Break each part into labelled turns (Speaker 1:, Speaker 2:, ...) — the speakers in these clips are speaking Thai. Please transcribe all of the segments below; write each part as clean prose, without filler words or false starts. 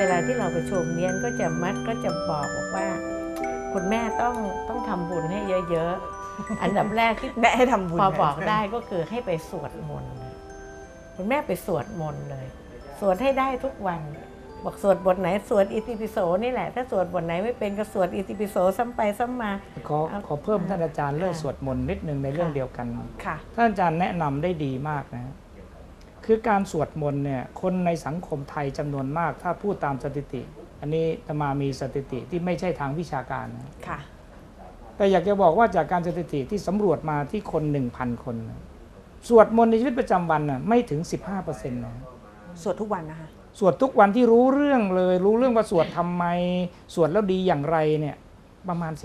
Speaker 1: ลาที่เราประชุมเนี้ยก็จะบอกว่าคุณแม่ต้องทำบุญให้เยอะๆ อันดับแรกที่
Speaker 2: แนะให้ทำบุญ
Speaker 1: พอบอกได้ก็คือให้ไปสวดมนต์คุณแม่ไปสวดมนต์เลยสวดให้ได้ทุกวันบอกสวดบทไหนสวดอิติปิโสนี่แหละถ้าสวดบทไหนไม่เป็นก็สวดอิติปิโสซ้ำไปซ้ำมา
Speaker 3: ขอเพิ่มท่านอาจารย์เรื่องสวดมนต์นิดนึงในเรื่องเดียวกัน
Speaker 2: ค่ะ
Speaker 3: ท่านอาจารย์แนะนำได้ดีมากนะคือการสวดมนต์เนี่ยคนในสังคมไทยจำนวนมากถ้าพูดตามสถิติอันนี้อาตมามีสถิติที่ไม่ใช่ทางวิชาการนะ
Speaker 2: ค่ะ
Speaker 3: แต่อยากจะบอกว่าจากการสถิติที่สำรวจมาที่คน 1,000 คนสวดมนต์ในชีวิตประจำวันไม่ถึง 15% นะ
Speaker 2: สวดทุกวันนะคะ
Speaker 3: สวดทุกวันที่รู้เรื่องเลยรู้เรื่องว่าสวดทำไมสวดแล้วดีอย่างไรเนี่ยประมาณ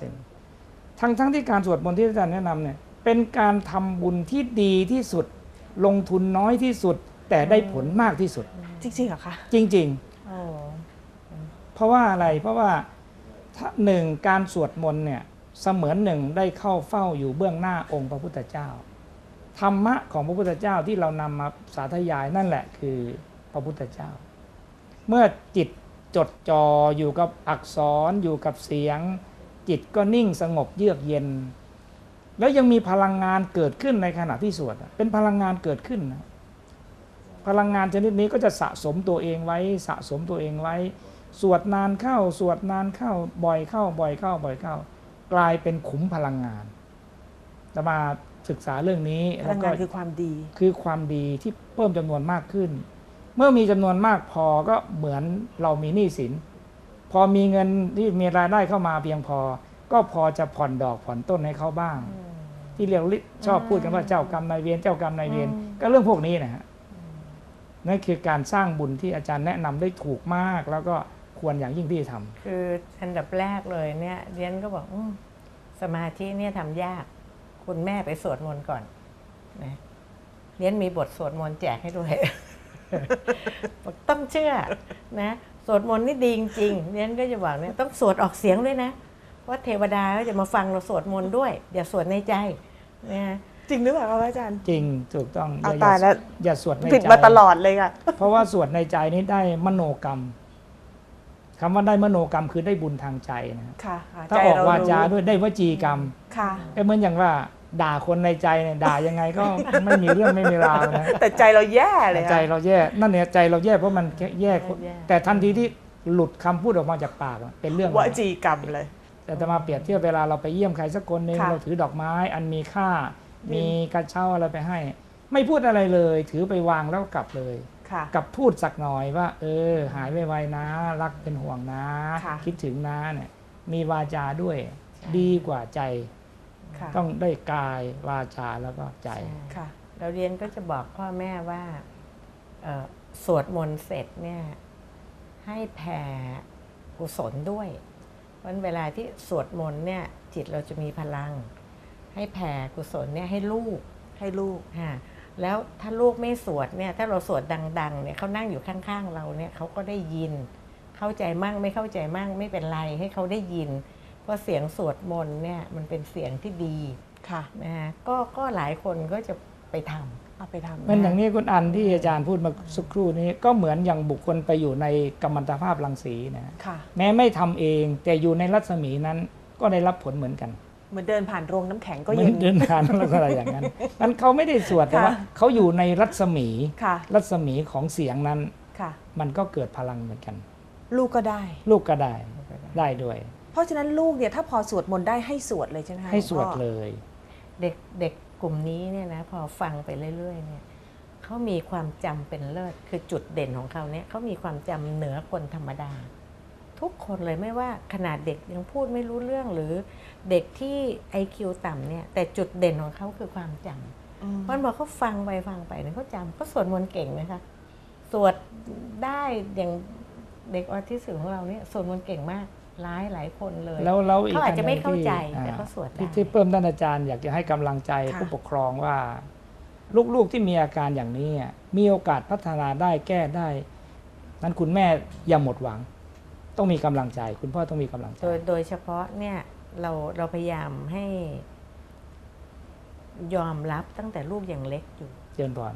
Speaker 3: 15%ทั้งที่การสวดมนต์ที่อาจารย์แนะนำเนี่ยเป็นการทำบุญที่ดีที่สุดลงทุนน้อยที่สุดแต่ได้ผลมากที่สุด
Speaker 2: จริงๆเหรอคะ
Speaker 3: จริงๆเพราะว่าอะไรเพราะว่าหนึ่งการสวดมนต์เนี่ยเสมือนหนึ่งได้เข้าเฝ้าอยู่เบื้องหน้าองค์พระพุทธเจ้าธรรมะของพระพุทธเจ้าที่เรานำมาสาธยายนั่นแหละคือพระพุทธเจ้าเมื่อจิตจดจ่ออยู่กับอักษรอยู่กับเสียงจิตก็นิ่งสงบเยือกเย็นแล้วยังมีพลังงานเกิดขึ้นในขณะที่สวดเป็นพลังงานเกิดขึ้นนะพลังงานชนิดนี้ก็จะสะสมตัวเองไว้สะสมตัวเองไว้สวดนานเข้าสวดนานเข้าบ่อยเข้ากลายเป็นขุมพลังงานจะมาศึกษาเรื่องนี้
Speaker 2: พลังงานคือความดี
Speaker 3: คือความดีที่เพิ่มจำนวนมากขึ้นเมื่อมีจำนวนมากพอก็เหมือนเรามีหนี้สินพอมีเงินที่มีรายได้เข้ามาเพียงพอก็พอจะผ่อนดอกผ่อนต้นให้เขาบ้างที่เรียกชอบพูดกันว่าเจ้ากรรมนายเวรเจ้ากรรมนายเวรก็เรื่องพวกนี้นะฮะนั่นคือการสร้างบุญที่อาจารย์แนะนำได้ถูกมากแล้วก็ควรอย่างยิ่งที่จะทำ
Speaker 1: คืออันดับแรกเลยเนี่ยเรียนก็บอกสมาธิเนี่ยทำยากคุณแม่ไปสวดมนต์ก่อนนะเรียนมีบทสวดมนต์แจกให้ด้วย ต้องเชื่อนะสวดมนต์นี่ดีจริงๆเรียนก็จะบอกเนี่ยต้องสวดออกเสียงด้วยนะว่าเทวดาก็จะมาฟังเราสวดมนต์ด้วยอย่าสวดในใจนะ
Speaker 2: จริงหรือเปล่าครับอาจารย์
Speaker 3: จริงถูกต้อง
Speaker 2: ตายแล้ว
Speaker 3: อย่าสวดในใจ
Speaker 2: ผิดมาตลอดเลยค่ะ
Speaker 3: เพราะว่าสวดในใจนี้ได้มโนกรรมคำว่าได้มโนกรรมคือได้บุญทางใจนะถ้าออกวาจาด้วยได้วจีกรรมเหมือนอย่างว่าด่าคนในใจเนี่ยด่ายังไงก็ไม่มีเรื่องไม่มีราวนะ
Speaker 2: แต่ใจเราแย่เลย
Speaker 3: ใจเราแย่นั่นเนี่ยใจเราแย่เพราะมันแย่แต่ทันทีที่หลุดคำพูดออกมาจากปากเป็นเรื่อง
Speaker 2: วจีกรรมเลย
Speaker 3: แต่จะมาเปรียบเทียบเวลาเราไปเยี่ยมใครสักคนหนึ่งเราถือดอกไม้อันมีค่ามีกระเช้าอะไรไปให้ไม่พูดอะไรเลยถือไปวางแล้วกลับเลยกับพูดสักหน่อยว่าหายไวๆนะรักเป็นห่วงนะคิดถึงนะเนี่ยมีวาจาด้วยดีกว่าใจต้องได้กายวาจาแล้วก็ใจ
Speaker 1: เราเรียนก็จะบอกพ่อแม่ว่าสวดมนต์เสร็จเนี่ยให้แผ่กุศลด้วยวันเวลาที่สวดมนต์เนี่ยจิตเราจะมีพลังให้แผ่กุศลเนี่ยให้ลูกแล้วถ้าลูกไม่สวดเนี่ยถ้าเราสวดดังๆเนี่ยเขานั่งอยู่ข้างๆเราเนี่ยเขาก็ได้ยินเข้าใจมั่งไม่เข้าใจมั่งไม่เป็นไรให้เขาได้ยินเพราะเสียงสวดมนต์เนี่ยมันเป็นเสียงที่ดีนะฮะก็หลายคนก็จะไปทำ
Speaker 3: มันอย่างนี้คุณอันที่อาจารย์พูดมาสักครู่นี้ก็เหมือนอย่างบุคคลไปอยู่ในกัมมันตภาพรังสีนะแม้ไม่ทำเองแต่อยู่ในรัศมีนั้นก็ได้รับผลเหมือนกัน
Speaker 2: เหมือนเดินผ่านโรงน้ำแข็งก็เย็น
Speaker 3: เดินผ่านอะไรอย่างนั้นมันเขาไม่ได้สวดแต่ว่าเขาอยู่ในรัศมีของเสียงนั้นมันก็เกิดพลังเหมือนกัน
Speaker 2: ลูกก็ได้
Speaker 3: ด้วย
Speaker 2: เพราะฉะนั้นลูกเนี่ยถ้าพอสวดมนต์ได้ให้สวดเลยใช่ไหม
Speaker 3: ให้สวดเลย
Speaker 1: เด็กกลุ่มนี้เนี่ยนะพอฟังไปเรื่อยๆเนี่ยเขามีความจำเป็นเลิศคือจุดเด่นของเขาเนี่ยเขามีความจำเหนือคนธรรมดาทุกคนเลยไม่ว่าขนาดเด็กยังพูดไม่รู้เรื่องหรือเด็กที่ IQ ต่ำเนี่ยแต่จุดเด่นของเขาคือความจำเพราะบอกเขาฟังไปเนี่ยเขาจำเขาสวดมนต์เก่งนะคะสวดได้อย่างเด็กออทิสติกของเราเนี่ยสวดมนต์เก่งมากหลายคนเลยเขาอาจจะไม่เข้าใจแต่เขาสวดได้
Speaker 3: ที่เพิ่มท่านอาจารย์อยากจะให้กำลังใจผู้ปกครองว่าลูกๆที่มีอาการอย่างนี้มีโอกาสพัฒนาได้แก้ได้นั้นคุณแม่อย่าหมดหวังต้องมีกำลังใจคุณพ่อต้องมีกำลังใจ
Speaker 1: โดยเฉพาะเนี่ยเราพยายามให้ยอมรับตั้งแต่ลูกยังเล็กอยู่
Speaker 3: เจริญพร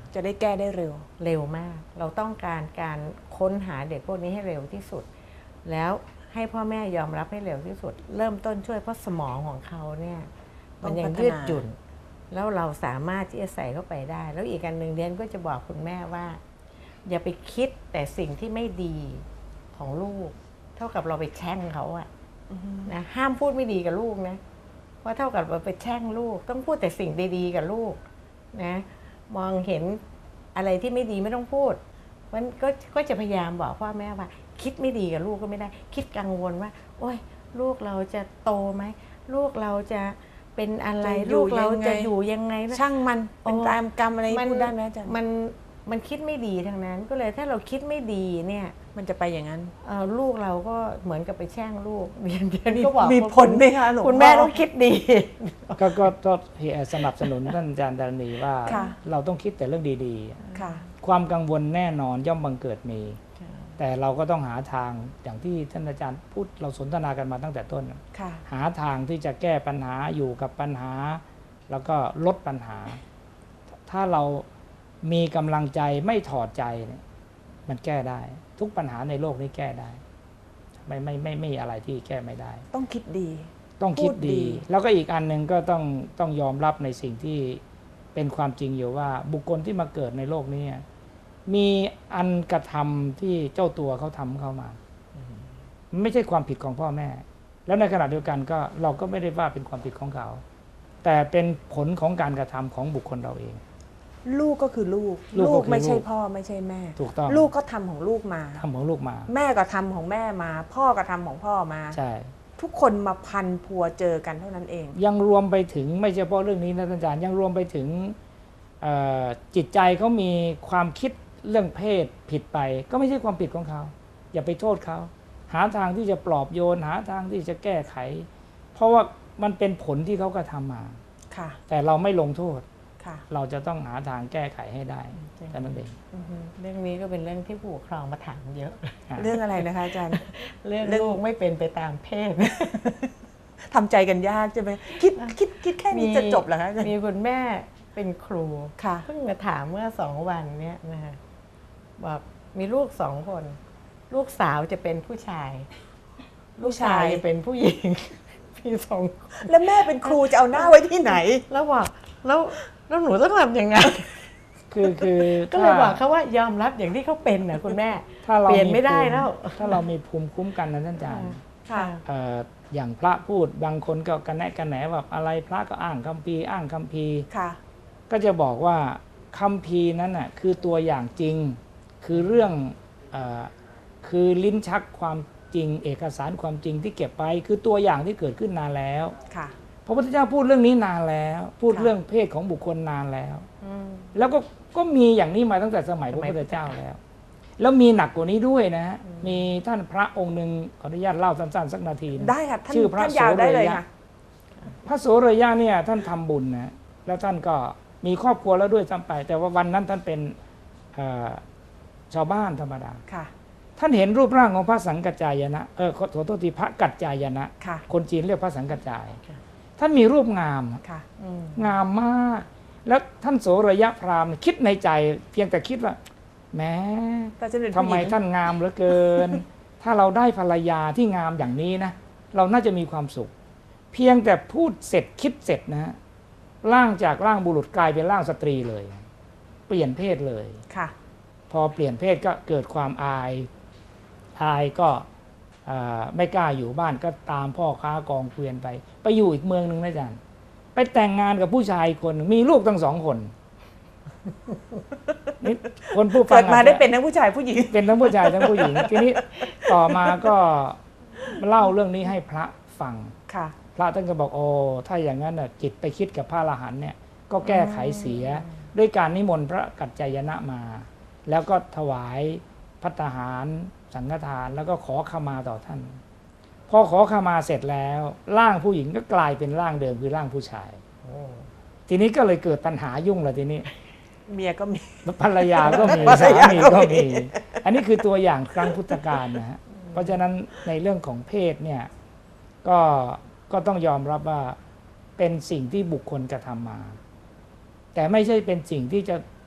Speaker 2: จะได้แก้ได้เร็ว
Speaker 1: เร็วมาก เราต้องการการค้นหาเด็กพวกนี้ให้เร็วที่สุด แล้วให้พ่อแม่ยอมรับให้เร็วที่สุด เริ่มต้นช่วยเพราะสมองของเขาเนี่ยมันยังยืดหยุ่น แล้วเราสามารถที่จะใส่เข้าไปได้ แล้วอีกอันหนึ่งเรียนก็จะบอกคุณแม่ว่า อย่าไปคิดแต่สิ่งที่ไม่ดีของลูก เท่ากับเราไปแช่งเขาอะนะห้ามพูดไม่ดีกับลูกนะเพราะเท่ากับเราไปแช่งลูก ต้องพูดแต่สิ่งดีๆกับลูกนะมองเห็นอะไรที่ไม่ดีไม่ต้องพูดมันก็จะพยายามบอกพ่อแม่ว่าคิดไม่ดีกับลูกก็ไม่ได้ คิดกังวลว่า โอ๊ยลูกเราจะโตไหมลูกเราจะเป็นอะไร
Speaker 2: จะอยู่
Speaker 1: ลูกเรา
Speaker 2: ยังไง
Speaker 1: จะอยู่ยังไงนะ
Speaker 2: ช่างมันเป็นตามกรรมอะไรพูดได้ไหมอาจารย์
Speaker 1: มันคิดไม่ดีทั้งนั้น ก็เลยถ้าเราคิดไม่ดีเนี่ย
Speaker 2: มันจะไปอย่างนั้น
Speaker 1: ลูกเราก็เหมือนกับไปแช่งลูกเรียนก็บอก
Speaker 2: มีผลไหมคะหลวงพ่อ
Speaker 1: คุณแม่ต้องคิดดี
Speaker 3: ก็สนับสนุนท่านอาจารย์ดารณีว่า
Speaker 2: ค่ะ
Speaker 3: เราต้องคิดแต่เรื่องดี
Speaker 2: ค่ะ
Speaker 3: ๆ ความกังวลแน่นอนย่อมบังเกิดมี แต่เราก็ต้องหาทางอย่างที่ท่านอาจารย์พูดเราสนทนากันมาตั้งแต่ต้น
Speaker 2: ค่ะ
Speaker 3: หาทางที่จะแก้ปัญหาอยู่กับปัญหา แล้วก็ลดปัญหา ถ้าเรามีกำลังใจไม่ถอดใจเนี่ยมันแก้ได้ ทุกปัญหาในโลกนี้แก้ได้ไม่มีอะไรที่แก้ไม่ได้
Speaker 2: ต้องคิดดี
Speaker 3: ต้องคิด
Speaker 2: พูดดี
Speaker 3: ดี แล้วก็อีกอันหนึ่งก็ต้องยอมรับในสิ่งที่เป็นความจริงอยู่ว่าบุคคลที่มาเกิดในโลกนี้มีอันกระทำที่เจ้าตัวเขาทำเข้ามาไม่ใช่ความผิดของพ่อแม่ แล้วในขณะเดียวกันก็เราก็ไม่ได้ว่าเป็นความผิดของเขา แต่เป็นผลของการกระทำของบุคคลเราเอง
Speaker 2: ลูกก็คือลูก
Speaker 3: ลูกก็คือ
Speaker 2: ไม่ใช่
Speaker 3: ลูก
Speaker 2: พ่อไม่ใช่แม่
Speaker 3: ถูกต้อง
Speaker 2: ลูกก็ทำของลูกมา
Speaker 3: ทำของลูกมา
Speaker 2: แม่ก็ทำของแม่มา พ่อก็ทำของพ่อมา
Speaker 3: ใช่
Speaker 2: ทุกคนมาพันพัวเจอกันเท่านั้นเอง
Speaker 3: ยังรวมไปถึงไม่เฉพาะเรื่องนี้นะท่านอาจารย์ยังรวมไปถึงจิตใจเขามีความคิดเรื่องเพศผิดไป ก็ไม่ใช่ความผิดของเขาอย่าไปโทษเขาหาทางที่จะปลอบโยนหาทางที่จะแก้ไข เพราะว่ามันเป็นผลที่เขากระทำมา
Speaker 2: ค่ะ
Speaker 3: แต่เราไม่ลงโทษ
Speaker 2: ค่ะ
Speaker 3: เราจะต้องหาทางแก้ไขให้ได้แค่นั้นเอง
Speaker 1: เรื่องนี้ก็เป็นเรื่องที่ผู้ปกครองมาถามเยอะ
Speaker 2: เรื่องอะไรนะคะอาจารย์
Speaker 1: เรื่อง
Speaker 2: เรื่อง
Speaker 1: ลูกไม่เป็นไปตามเพศ
Speaker 2: ทำใจกันยากใช่ไหมคิดแค่นี้จะจบเหรอคะอาจารย์
Speaker 1: มีคุณแม่เป็นครู
Speaker 2: ค่ะ
Speaker 1: เพิ่งมาถามเมื่อ2 วันเนี้ยนะคะบอกมีลูก2 คน ลูกสาวจะเป็นผู้ชาย ลูกชายจะเป็นผู้หญิง มี2 คน
Speaker 2: แล้วแม่เป็นครูจะเอาหน้าไว้ที่ไหน
Speaker 1: แล้วบอกแล้วหนูต้องทำยังไง
Speaker 3: คือ
Speaker 1: ก็เลยบอกเขาว่ายอมรับอย่างที่เขาเป็นนะคุณแม่
Speaker 3: ถ้าเรา
Speaker 1: เปลี่ยนไม่ได้แล้ว
Speaker 3: ถ้าเรามีภูมิคุ้มกันนะท่านอาจารย์
Speaker 2: ค่ะ
Speaker 3: อย่างพระพูดบางคนก็กันแนะกันแหนว่าอะไรพระก็อ้างคัมภีร์อ้างคัมภีร์
Speaker 2: ค่ะ
Speaker 3: ก็จะบอกว่าคัมภีร์นั้นน่ะคือตัวอย่างจริงคือเรื่องคือลิ้นชักความจริงเอกสารความจริงที่เก็บไปคือตัวอย่างที่เกิดขึ้นนานแล้ว
Speaker 2: ค่ะ
Speaker 3: พระพุทธเจ้าพูดเรื่องนี้นานแล้ว พูด
Speaker 2: ค่ะ
Speaker 3: เรื่องเพศของบุคคลนานแล้ว แล้วก็มีอย่างนี้มาตั้งแต่สมัยพระพุทธเจ้าแล้ว แล้วมีหนักกว่านี้ด้วยนะฮะมีท่านพระองค์หนึ่งขออนุญาตเล่าสั้นๆสักนาทีนะ
Speaker 2: ได้ค่ะท่าน
Speaker 3: ชื่อพระ
Speaker 2: ท่านยาวได้เลยค่ะ
Speaker 3: พระโสรยะเนี่ยท่านทำบุญนะแล้วท่านก็มีครอบครัวแล้วด้วยซ้ำไป แต่ว่าวันนั้นท่านเป็นชาวบ้านธรรมดา
Speaker 2: ค่ะ
Speaker 3: ท่านเห็นรูปร่างของพระสังกัจจายนะขอโทษทีพระกัจจายนะ
Speaker 2: ค่ะ
Speaker 3: คนจีนเรียกพระสังกัจจาย ท่านมีรูปงาม
Speaker 2: ค่ะ
Speaker 3: งามมาก แล้วท่านโสรยะพราหมณ์คิดในใจ เพียงแต่คิดว่าแหม้
Speaker 2: แต่จะเป็น
Speaker 3: ทำ
Speaker 2: ผู้ห
Speaker 3: ไม
Speaker 2: ญิง
Speaker 3: ท่านงามเหลือเกิน ถ้าเราได้ภรรยาที่งามอย่างนี้นะเราน่าจะมีความสุข เพียงแต่พูดเสร็จคิดเสร็จนะร่างจากร่างบุรุษกลายเป็นร่างสตรีเลย เปลี่ยนเพศเลย
Speaker 2: ค่ะ
Speaker 3: พอเปลี่ยนเพศก็เกิดความอายก็ไม่กล้าอยู่บ้านก็ตามพ่อค้ากองเกวียนไปอยู่อีกเมืองหนึ่งนะอาจารย์ไปแต่งงานกับผู้ชายคนหนึ่งมีลูกทั้ง2 คนนี่คนผู้ฟั
Speaker 2: เกิ
Speaker 3: ง
Speaker 2: ดมาได้เป็นทั้งผู้ชายผู้หญิง
Speaker 3: เป็นทั้งผู้ชายทั้งผู้หญิง ทีนี้ต่อมาก็เล่าเรื่องนี้ให้พระฟัง
Speaker 2: ค่ะ
Speaker 3: พระท่านก็บอกโอ้ถ้าอย่างนั้นน่ะจิตไปคิดกับพระอรหันต์เนี่ยก็แก้ไขเสียด้วยการนิมนต์พระกัจจายนะมา แล้วก็ถวายภัตตาหารสังฆทานแล้วก็ขอขมาต่อท่าน พอขอขมาเสร็จแล้วร่างผู้หญิงก็กลายเป็นร่างเดิมคือร่างผู้ชายทีนี้ก็เลยเกิดปัญหายุ่งเลยทีนี้
Speaker 2: เมียก็มี
Speaker 3: ภรรยาก็มี
Speaker 2: ภรร
Speaker 3: สาย
Speaker 2: า
Speaker 3: มี
Speaker 2: ก็
Speaker 3: ก็
Speaker 2: มี
Speaker 3: มี อันนี้คือตัวอย่างครั้งพุทธกาลนะฮะเพราะฉะนั้นในเรื่องของเพศเนี่ยก็ต้องยอมรับว่าเป็นสิ่งที่บุคคลกระทำมา แต่ไม่ใช่เป็นสิ่งที่จะ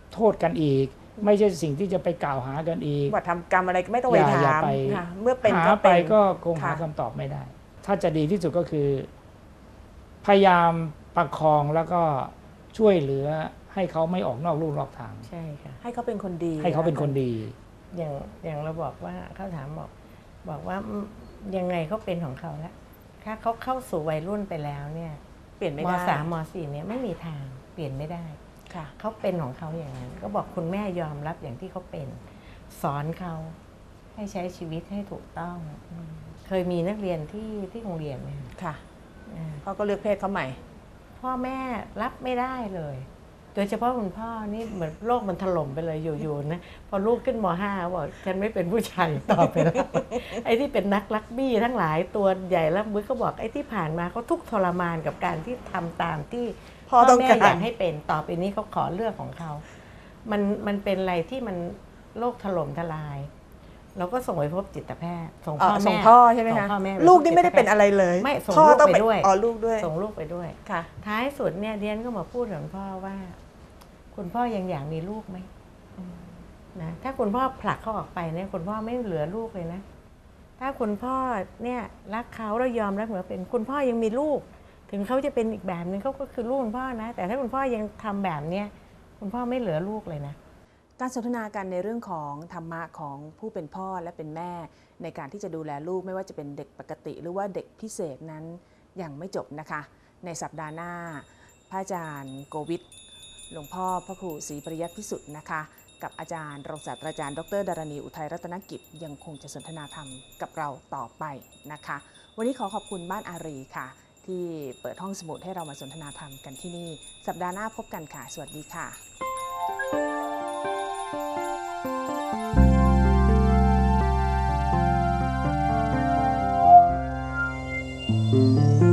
Speaker 3: โทษกันอีก ไม่ใช่สิ่งที่จะไปกล่าวหากันอีก
Speaker 2: ว่าทำกรรมอะไรก็ไม่ต้องไป
Speaker 3: อย่า
Speaker 2: ถาม
Speaker 3: ไป
Speaker 2: ค่ะเมื่อเป็น
Speaker 3: หา
Speaker 2: ก็
Speaker 3: ไป
Speaker 2: เป็น
Speaker 3: ก็คงหา
Speaker 2: ค่ะ
Speaker 3: คำตอบไม่ได้ ถ้าจะดีที่สุดก็คือ พยายามประคองแล้วก็ช่วยเหลือให้เขาไม่ออกนอกลู่นอกทาง
Speaker 1: ใช่ค่ะ
Speaker 2: ให้เขาเป็นคนดี
Speaker 3: ให้เขาเป็นคนดี
Speaker 1: อย่างเราบอกว่าเขาถามบอกว่ายังไงเขาเป็นของเขาแล้วถ้าเขาเข้าสู่วัยรุ่นไปแล้วเนี่ย
Speaker 2: เปลี่ยนไม่
Speaker 1: ม
Speaker 2: ได้
Speaker 1: สามมสี่เนี่ยไม่มีทางเปลี่ยนไม่ได้
Speaker 2: ค่ะ
Speaker 1: เขาเป็นของเขาอย่างนั้นก็บอกคุณแม่ยอมรับอย่างที่เขาเป็น สอนเขาให้ใช้ชีวิตให้ถูกต้องเคยมีนักเรียนที่โรงเรียนเนี่ย
Speaker 2: ค่ะ
Speaker 1: อ่า
Speaker 2: เขาก็เลือกเพศเขาใหม่
Speaker 1: พ่อแม่รับไม่ได้เลย โดยเฉพาะคุณพ่อนี่เหมือนโลกมันถล่มไปเลยอยู่ๆนะพอลูกขึ้นม.5 บอกฉันไม่เป็นผู้ชายต่อไปแล้ว ไอ้ที่เป็นนักรักบี้ทั้งหลายตัวใหญ่แล้วมือก็บอกไอ้ที่ผ่านมาเขาทุกข์ทรมานกับการที่ทำตามที่
Speaker 2: พ่อต้อง
Speaker 1: แม่
Speaker 2: การ
Speaker 1: อยากให้เป็นต่อไปนี้เขาขอเลือกของเขา มันเป็นอะไรที่มันโลกถล่มทลาย เราก็ส่งไปพบจิตแพทย์ส่งพ่อ
Speaker 2: ส่
Speaker 1: แม่
Speaker 2: งพ่อใช่ไหม
Speaker 1: ส่
Speaker 2: คะ
Speaker 1: งพ่อแม่
Speaker 2: ลูกนี่ไม่ได้เป็นอะไรเลย
Speaker 1: ไม่ส่ง
Speaker 2: พ่อ
Speaker 1: ลูก
Speaker 2: ต้อง
Speaker 1: ไปด้วย
Speaker 2: อ๋อลูกด้วย
Speaker 1: ส่งลูกไปด้วย
Speaker 2: ค่ะ
Speaker 1: ท้ายสุดเนี่ยเดียนก็มาพูดกับคุณพ่อว่า คุณพ่อยังอยากมีลูกไหมนะถ้าคุณพ่อผลักเขาออกไปเนี่ยคุณพ่อไม่เหลือลูกเลยนะ ถ้าคุณพ่อเนี่ยรักเขาแล้วยอมรับเหมือนเป็นคุณพ่อยังมีลูก ถึงเขาจะเป็นอีกแบบนึงเขาก็คือลูกคุณพ่อนะ แต่ถ้าคุณพ่อยังทำแบบเนี้ยคุณพ่อไม่เหลือลูกเลยนะ
Speaker 2: การสนทนากันในเรื่องของธรรมะของผู้เป็นพ่อและเป็นแม่ในการที่จะดูแลลูกไม่ว่าจะเป็นเด็กปกติ หรือว่าเด็กพิเศษนั้นยังไม่จบนะคะ ในสัปดาห์หน้า พระอาจารย์โกวิทหลวงพ่อพระครูศรีปริยัติพิสุทธิ์นะคะ กับอาจารย์รองศาสตราจารย์ดรดารณีอุทัยรัตนกิจยังคงจะสนทนาธรรมกับเราต่อไปนะคะ วันนี้ขอขอบคุณบ้านอารีค่ะ ที่เปิดห้องสมุดให้เรามาสนทนาธรรมกันที่นี่ สัปดาห์หน้าพบกันค่ะ สวัสดีค่ะ
Speaker 4: Thank you.